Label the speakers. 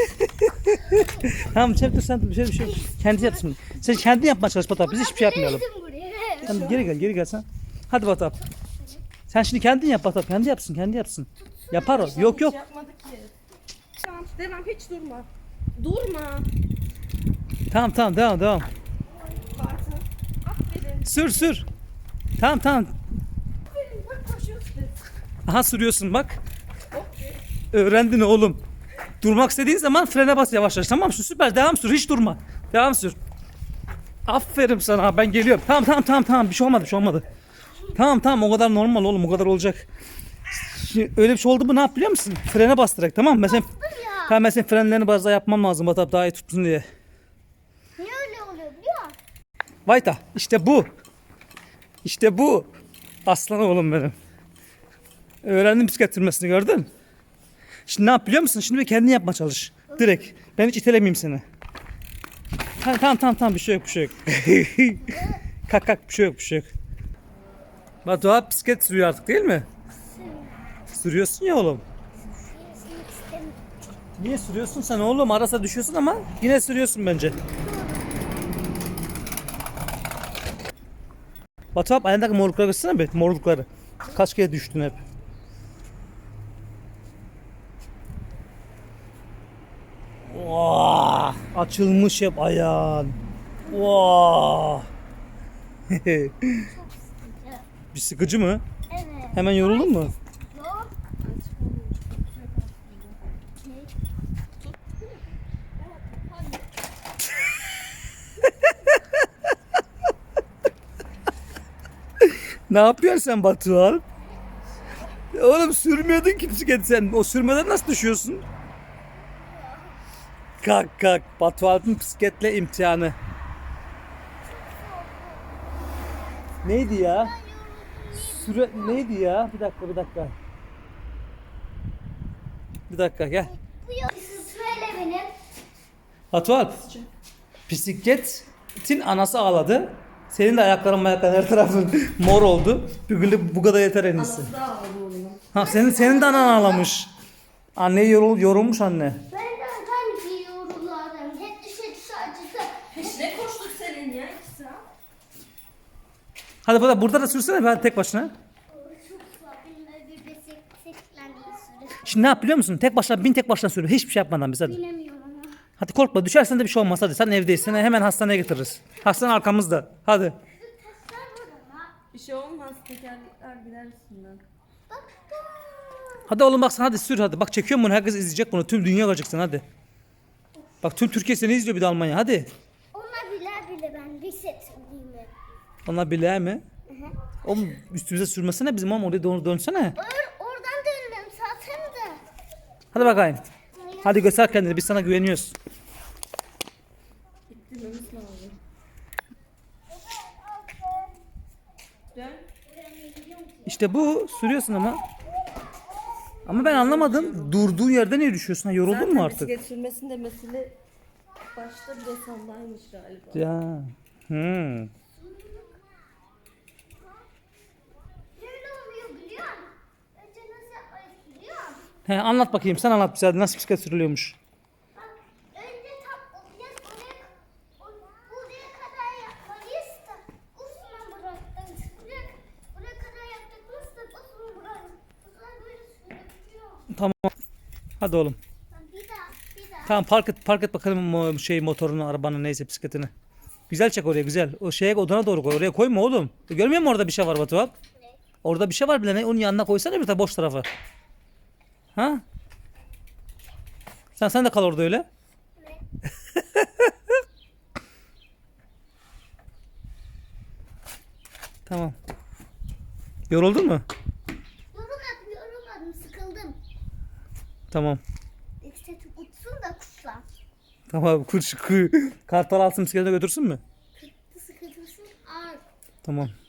Speaker 1: Tamam sen dur sen dur bir şey. Kendi yapsın. Sen kendin yapmaya çalış Batap. Biz hiçbir şey yapmayalım. Tamam geri gel sen. Hadi Batap. Sen şimdi kendin yap Batap. Kendi yapsın. Yapar o. Yok.
Speaker 2: Hiç yapmadı ki. Tamam devam hiç durma. Durma.
Speaker 1: Tamam devam.
Speaker 2: Bartu. Aferin.
Speaker 1: Sür. Tamam.
Speaker 2: Aferin bak koşuyorsun.
Speaker 1: Aha sürüyorsun bak. Öğrendin oğlum. Durmak istediğin zaman frene bas yavaş tamam mı? Süper devam sür hiç durma. Devam sür. Aferin sana ben geliyorum. Tamam bir şey olmadı. Tamam o kadar normal oğlum o kadar olacak. Şimdi öyle bir şey oldu mu ne yap biliyor musun? Frene bas direkt tamam mı? Mesela frenlerini biraz daha yapmam lazım Batap daha iyi tutsun diye.
Speaker 3: Niye öyle oluyor biliyor musun?
Speaker 1: Vayta işte bu. Aslan oğlum benim. Öğrendim bisiklet sürmesini gördün. Şimdi ne yap biliyor musun? Şimdi bir kendin yapma çalış. Direkt. Ben hiç itelemeyeyim seni. Tamam bir şey yok. Kalk bir şey yok. Batu bisiklet sürüyor artık değil mi? Sürüyorsun ya oğlum. Niye sürüyorsun sen oğlum? Arasa düşüyorsun ama yine sürüyorsun bence. Batu ayağındaki morlukları göstersene bir. Morlukları. Kaç kere düştün hep. Oh, açılmış hep ayağın. Oh. Bir sıkıcı mı?
Speaker 3: Evet.
Speaker 1: Hemen yoruldun mu?
Speaker 3: Yok.
Speaker 1: Ne yapıyorsun sen Batuhan? Oğlum sürmüyordun ki bisikleti sen. O sürmeden nasıl düşüyorsun? Kalk. Batuhan'ın bisikletle imtihanı. Neydi ya? Neydi ya? Bir dakika. Bir dakika gel.
Speaker 3: Bu yok. Söyle benim.
Speaker 1: Batuhan. Bisikletin anası ağladı. Senin de ayakların her tarafın mor oldu. Bu kadar yeter en iyisi.
Speaker 2: Anası da aldı oğlum.
Speaker 1: Ha senin de anan ağlamış. Anne yorulmuş anne.
Speaker 3: Ben de hangi yorullarım? Hep düşe acıdı.
Speaker 2: Peşine koştuk senin ya 2 saat.
Speaker 1: Hadi burada da sürsene ben tek başına.
Speaker 3: Çok benim bir bisikletle sürü.
Speaker 1: Şimdi ne yap biliyor musun? Tek başına sür. Hiçbir şey yapmadan biz hadi.
Speaker 3: Bilemiyorum ama.
Speaker 1: Hadi korkma düşersen de bir şey olmaz hadi. Sen evdeyiz. Hemen hastaneye getiririz. Hastane arkamızda. Hadi.
Speaker 3: Taşlar burada mı?
Speaker 2: Bir şey olmaz tekerlekler gider üstünden.
Speaker 3: Bak.
Speaker 1: Hadi oğlum bak sen hadi sür hadi. Bak çekiyorum bunu herkes izleyecek bunu. Tüm dünya görecek sen hadi. Bak tüm Türkiye seni izliyor bir de Almanya hadi.
Speaker 3: Onlar bile ben resetliyim.
Speaker 1: Onlar bile mi? Oğlum üstümüze sürmesene bizim oğlum oraya doğru dönsene.
Speaker 3: Oradan döndüm zaten de.
Speaker 1: Hadi bakayım. Hadi göster kendini biz sana güveniyoruz.
Speaker 2: İttirmemiz lazım. Dön.
Speaker 1: İşte bu sürüyorsun ama. Ama ben anlamadım. Durduğun yerde niye düşüyorsun? Ha, yoruldun mu artık?
Speaker 2: Bisiklet sürmesinin de mesele başta bir de sondaymış galiba.
Speaker 1: Ya.
Speaker 3: Böyle oluyor biliyor musun? Önce nasıl yapmayı biliyor musun?
Speaker 1: Anlat bakayım sen anlat bize hadi nasıl bisiklet sürülüyormuş.
Speaker 3: Bak önce tam buraya kadar yapmalıyız da uzman bıraktın. Buraya kadar yaptıklarız da uzman bıraktın. Uzman böyle sürebiliyor.
Speaker 1: Tamam. Hadi oğlum.
Speaker 3: Bir daha.
Speaker 1: Tamam park et bakalım motorunu, arabanı neyse bisikletini. Güzel çek oraya güzel. O şeye odana doğru koy. Oraya koyma oğlum. Görmüyor musun orada bir şey var Batu abi? Orada bir şey var bile ne? Onun yanına koysana bir tane boş tarafa. Ha? Sen de kal orada öyle. Tamam. Yoruldun mu?
Speaker 3: Yorulmadım, sıkıldım.
Speaker 1: Tamam.
Speaker 3: İşte uçsun da kuşlar.
Speaker 1: Tamam kartal alsın bisikletine götürsün mü?
Speaker 3: Sıkıldırsın ağır.
Speaker 1: Tamam.